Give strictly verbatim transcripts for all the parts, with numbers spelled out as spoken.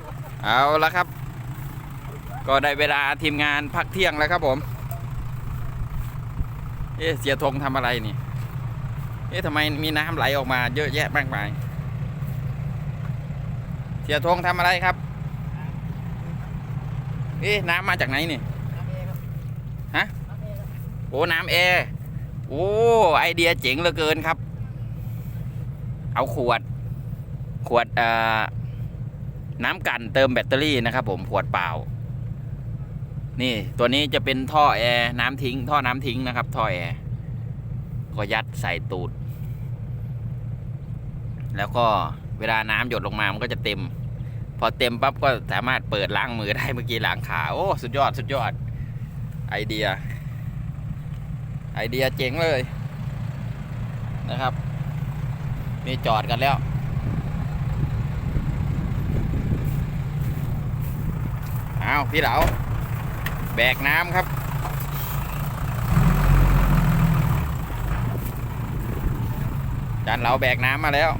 เอาละครับก็ได้เวลาทีมงานพักเที่ยงแล้วครับผมเอ๊ะเสียธงทำอะไรนี่เอ๊ะทำไมมีน้ำไหลออกมาเยอะแยะมากมายเสียธงทำอะไรครับเอ๊ะน้ำมาจากไหนนี่ฮะโอ้น้ำแอร์โอ้ไอเดียเจ๋งเหลือเกินครับเอาขวดขวดเอ่อน้ำกันเติมแบตเตอรี่นะครับผมขวดเปล่านี่ตัวนี้จะเป็นท่อแอร์น้ำทิ้งท่อน้ำทิ้งนะครับท่อแอร์ก็ยัดใส่ตูดแล้วก็เวลาน้ำหยดลงมามันก็จะเต็มพอเต็มปั๊บก็สามารถเปิดล้างมือได้เมื่อกี้ล้างขาโอ้สุดยอดสุดยอดไอเดียไอเดียเจ๋งเลยนะครับนี่จอดกันแล้วเอาพี่เหลาแบกน้ำครับจานเหลาแบกน้ำมาแล้ว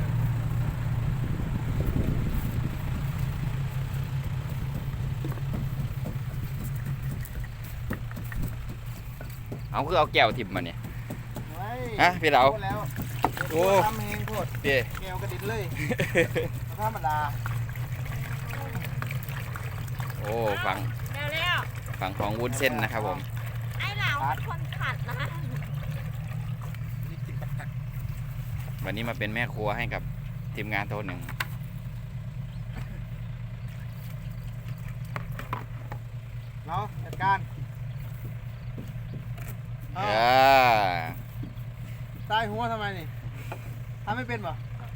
เอาคือเอาแก้วทิมมาเนี่ยฮะพี่เหลาโอ้ทำเองโคตรเดี๋ยวแก้วกระดิ่งเลยธรรมดาโอ้ฟังฝั่งของวุ้นเส้นนะครับผมไอ้เหลาเป็นคนขัดนะวันนี้มาเป็นแม่ครัวให้กับทีมงานโต๊ะหนึ่งเราจัดการเออใต้หัวทำไมนี่ทำไม่เป็นป่ะ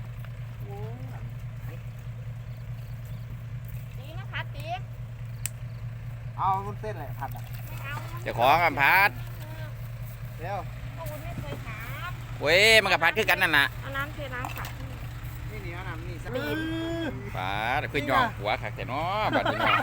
ตีนะพัดตีเอาวุ้นเส้นแหละผัดอ่ะจะขอกับพัดเดี๋ยวก็วุ้นไม่เคยถามเว้ยมันกับพัดคือกันนั่นน่ะเอาน้ำเทน้ำขัดนี่นี่เอาน้ำนี่สักนิดพัดคือย่องหัวขักแต่น้อบัดนี้น้อ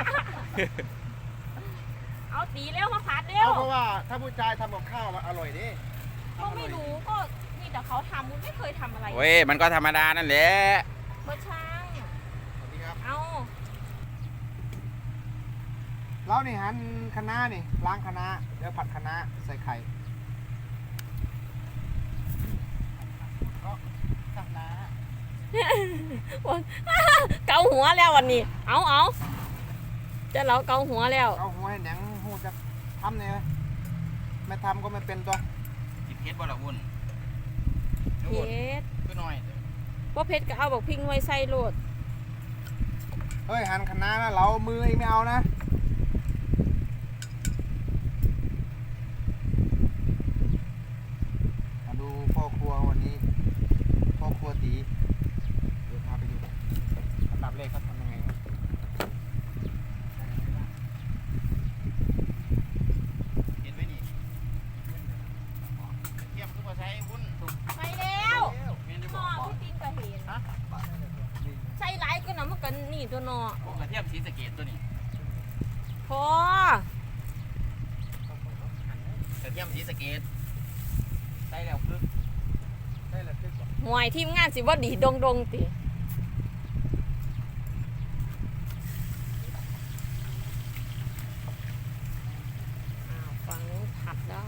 เอาตีเร็วมาพัดเร็วเพราะว่าถ้าผู้ชายทำกับข้าวมันอร่อยดิก็ไม่รู้ก็นี่แต่เขาทำวุ้นไม่เคยทำอะไรเว้ยมันก็ธรรมดานั่นแหละเบอร์ช่างเอาเรานี่หั่นคะน้านี่ล้างคะน้าแล้วผัดคะน้าใส่ไข่ก็คะน้าเกาหัวแล้ววันนี้เอาเอาจะเราเกาหัวแล้วเกาหัวให้หนังหูจะทำเนี่ยไม่ทำก็ไม่เป็นตัวกินเพชรบ่ละวุ่นเพชรก็น้อยว่าเพชรก็เอาบอกพิงไว้ใส่โลดเฮ้ยหั่นคะน้านะเรามือเองไม่เอานะมาดูพ่อครัววันนี้พ่อครัวตีเดี๋ยวพาไปดูอันดับแรกเขาทำยังไงเห็นไหมนี่เทียมคือว่าใช้วุ่นไปแล้วหม้อพี่ตินก็เห็นใส่หลายก็น้ำมันกันนี่ตัวหนอกระเทียมสีสะเกดตัวนี้พอกระเทียมสีสะเกดใส่แล้วคึกใส่แล้วคึกหวยทีมงานสิว่าดีดงดงติฝั่งนู้นผัดแล้ว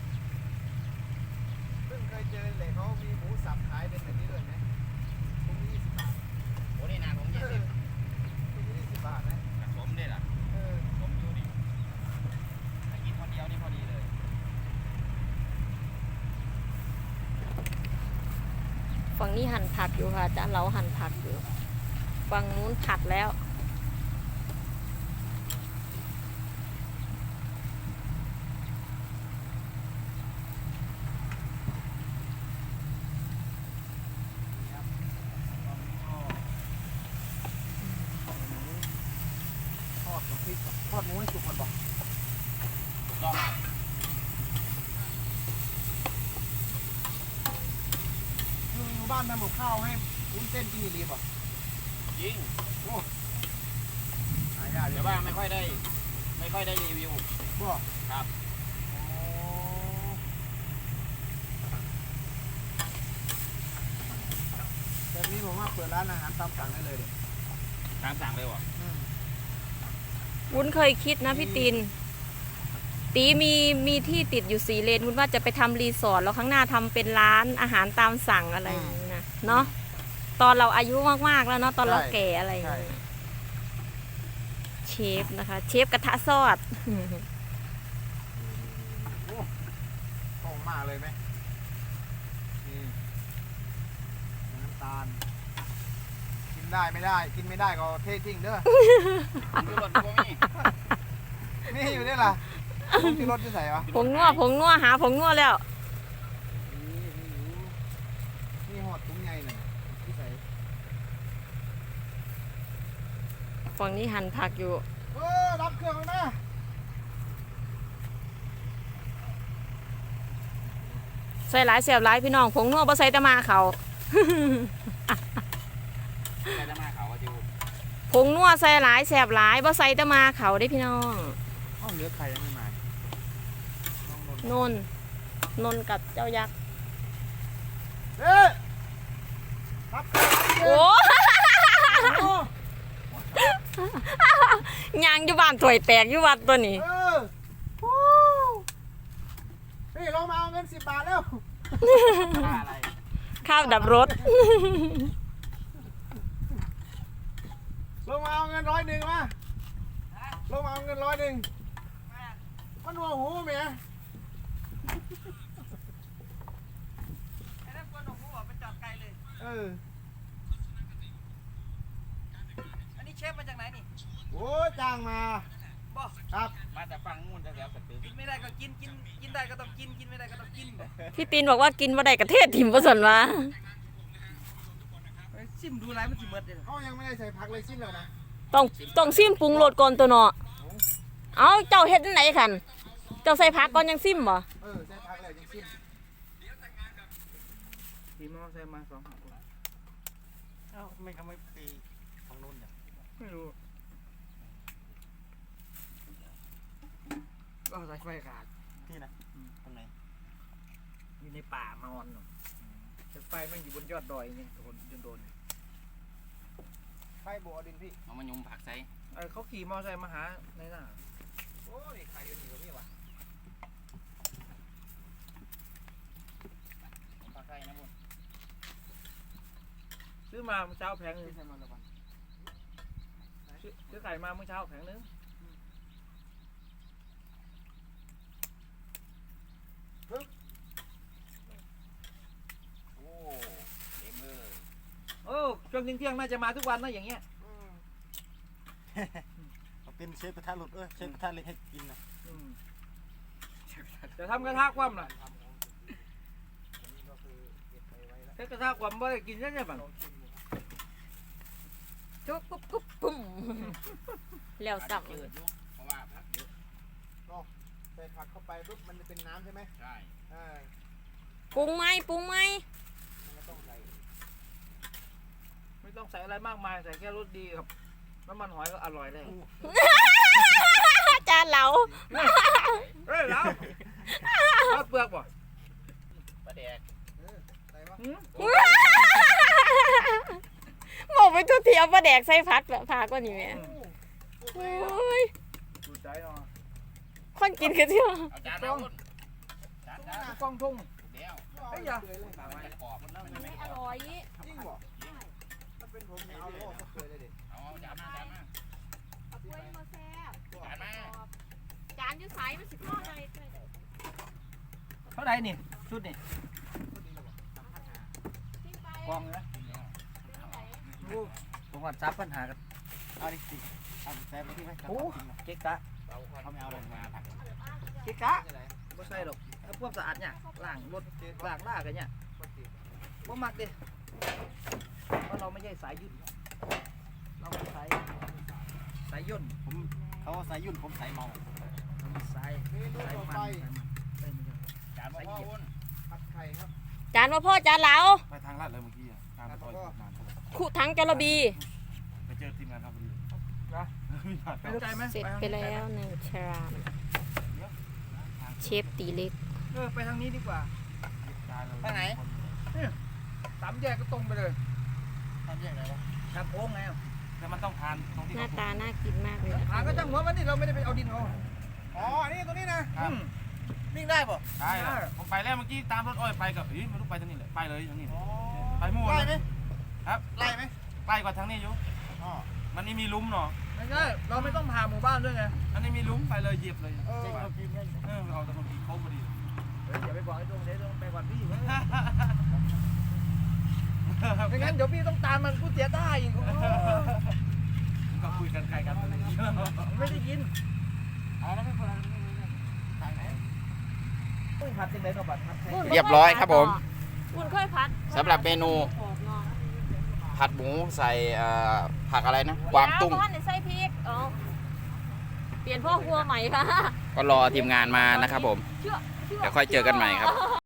เพิ่งเคยเจอเลยเขามีหมูสับขายเป็นแบบนี้ด้วยไหมถุงยี่สิบบาทโอ้นี่นานผมยี่สิบถุงยี่สิบบาทนะผมได้ล่ะเออผมอยู่นี่ถ้ากินคนเดียวนี่พอดีเลยฝั่งนี้หั่นผักอยู่ค่ะจ้าเราหั่นผักอยู่ฝั่งนู้นผัดแล้วทอดกับพริกทอดหมูให้สุกก่อนบอกลองอยู่บ้านทำกับข้าวให้วุ้นเส้นกินอีรีป่ะยิงโอ้หายากเดี๋ยวว่าไม่ค่อยได้ไม่ค่อยได้รีวิวบ่ครับแบบนี้ผมว่าเปิดร้านอาหารตามสั่งได้เลยเด็ตามสั่งเลยวะวุ้นเคยคิดนะพี่ตินตีมีมีที่ติดอยู่สี่เลนวุ้นว่าจะไปทำรีสอร์ทแล้วข้างหน้าทำเป็นร้านอาหารตามสั่งอะไรอย่างนี้นะเนาะตอนเราอายุมากๆแล้วเนาะตอนเราแก่อะไรอย่างเงี้ยเชฟนะคะเชฟกระทะซอดโอ้โหมาเลยไหมนี่น้ำตาลกินได้ไม่ได้กินไม่ได้ก็เททิ้งเด้อดูรถตัวนี้นี่อยู่นี่ล่ะผงที่รถที่ใส่วะผงนัวผงนัวหาผงนัวแล้วนี่นี่หอดตุ้งใหญ่หน่อยที่ใส่ฝั่งนี้หั่นผักอยู่เออรับเครื่องแล้วนะใส่หลายเสียบหลายพี่น้องผงนัวบ่ใส่แตะมาเขาใครจะมาเขาก็จิวผงนัวใส่หลายแสบหลายบ่ใส่แตะมาเขาได้พี่น้องห้องเหลือใครยังไม่มาน้องนนท์นนท์นนท์กับเจ้ายักษ์เอ๊ะรับเครื่องโอ้โอ้ยางอยู่บ้านถวยแตกอยู่วัดตัวนี้เออฮู้นี่ลงมาเอาเงินสิบบาทแล้วอะไรข้าวดับรถลงมาเอาเงินร้อยหนึ่งมาลงมาเอาเงินร้อยหนึ่งมันหัวหูเมียไอ้นั่นกวนของผู้บอกไปจอดไกลเลยเอออันนี้เชฟมาจากไหนนี่โอ้ยจ้างมาบอกครับมาแต่ฟังงูนแถวๆสตึกกินไม่ได้ก็กิน กิน กินได้ก็ต้องกิน กินไม่ได้ก็ต้องกินพี่ตีนบอกว่ากินบ่ได้กระเทศถิ่มบ่สนวะไปซิมดูอะไรมันสิเมิดเลยเขายังไม่ได้ใส่ผักเลยสิ้นเลยนะต้องต้องซิมปรุงรสก่อนตัวเนาะเอาเจ้าเฮ็ดจังไหนคันเจ้าใส่ผักก่อนยังซิมบ่เออใส่ผักเลยยังสิ้นทีมอใส่มาสองหักเอ้าทำไมเขาไม่ปีของนุ่นเนี่ยไม่รู้ ก็ใส่ไฟขาดที่นะตรงไหนอยู่ในป่ามอนแต่ไฟมันอยู่บนยอดดอยนี่โดนจนโดนไฟโบอดินพี่เอามายุมผักใส่เออเขาขี่มอไซค์มาหาในหน้าโอ้ยใครอยู่นี่วะนี่วะผมผักใส่นะบุญซื้อมาเมื่อเช้าแผงนึงที่ใส่มาละวันซื้อซื้อไข่มาเมื่อเช้าแผงนึงโอ้เต็มเลยโอ้ช่วงเที่ยงๆน่าจะมาทุกวันนะอย่างเงี้ยเป็นเชฟกระทะหลุดเอ้ยเชฟกระทะเล็กให้กินนะอืมจะทำกระทะคว่ำล่ะก็คือเก็บไปไว้แล้วถ้ากระทะคว่ำบ่ได้กินใช่ไหมบ้างจุ๊บปุ๊บปุ๊บปุ้มแล้วสับเดือดอยู่เพราะว่าผักเยอะใส่ผักเข้าไปปุ๊บมันจะเป็นน้ำใช่ไหมใช่เออปรุงไหมปรุงไหมมันก็ต้องใส่ไม่ต้องใส่อะไรมากมายใส่แค่รสดีครับน้ำมันหอยก็อร่อยเลยจานเหลาเฮ้ยแล้วทอดเปลือกป่ะปลาแดกเออใส่วะหืมบอกไปทุกทีเอาปลาแดกใส่ผัดแบบผักกว่านี้แม่โอ้โอ้ยดูใจเนาะคนกินกันเที่ยวเอาจานมาบุญจานจานกล้องทุ่งถูกแล้วเฮ้ยอย่าเลยปากมันจะกรอบมันเริ่มมันไม่ไม่กอรอบร่อยจริงเหรอถ้าเป็นผมเนี่ยเอาโลกก็เคยเลยเด็ดเอาเอาจานมาจานมาเอาถ้วยมาแซ่บจานมาจานอยู่ไสมันสิทอดอะไรด้วยเด้อเท่าไหร่นี่ชุดนี่กินไปกองนะเป็นไงดูผมว่าซับปัญหากันเอาดิสิเอาใส่ไปที่ไหมโอ้เก๊กกะเราเขาไม่เอาลงมาผักเก๊กกะไม่ใส่หรอกถ้าพวกสะอาดเนี่ยล้างรถล้างล่ากันเนี่ยบ่มักดิเพราะเราไม่ใช่สายยุ่นเราเป็นสายสายย่นผมเขาใส่ยุ่นผมใส่เมาสายเมนูสายต่อมันไปสายมันเอ้ยไม่ใช่จานมาพ่อบุญผัดไข่ครับจานว่าพ่อจานเหลาไปทางลาดเลยเมื่อกี้อ่ะตามไปต่อยนานเท่าไหร่คู่ทั้งจระบีไปเจอทีมงานครับพอดีนะมีผ่านไม่รู้ใจไหมเสร็จไปแล้วหนึ่งชามเชฟตีเล็กเออไปทางนี้ดีกว่าไปไหนสามแยกก็ตรงไปเลยทำยังไงวะทางโค้งไงเแต่มันต้องทานตรงที่หน้าเขาตาน่ากินมากเลยนะหาคะก็จังหัวมันนี่เราไม่ได้ไปเอาดินเอาอ๋อ นี่ตัวนี้นะครับอืมวิ่งได้ป่ะได้ครับผมไปแล้วเมื่อกี้ตามรถอ้อยไปกับอีไม่รู้ไปทางนี้แหละไปเลยทางนี้อ๋อไปมั่วไล่ไหมครับไล่ไหมใกล้กว่าทางนี้อยู่อ๋อมันนี่มีหลุมเนาะไม่ใช่เราไม่ต้องผ่าหมู่บ้านด้วยไงอันนี้มีหลุมไปเลยเหยียบเลยเออเออเอาแต่คนกี่โค้งพอดีเฮ้ยอย่าไปบอกไอ้ตรงเดี๋ยวต้องไปก่อนพี่เว้ยไม่งั้นเดี๋ยวพี่ต้องตามมันกูเสียได้อีกโอ้ก็คุยกันใครกันอะไรอย่างเงี้ยไม่ได้ยินเอาแล้วไม่คนละทางไหนต้องผัดยังไงต้องผัดผัดไทยวุ่นเรียบร้อยครับผมวุ่นค่อยพัดสำหรับเมนู ผัดหมูใส่เอ่อผักอะไรนะกวางตุ้งเดี๋ยวบ้านใส่พริกอ๋อเปลี่ยนพ่อครัวใหม่ค่ะก็รอทีมงานมานะครับผมเชื่อชื่เดี๋ยวค่อยเจอกันใหม่ครับ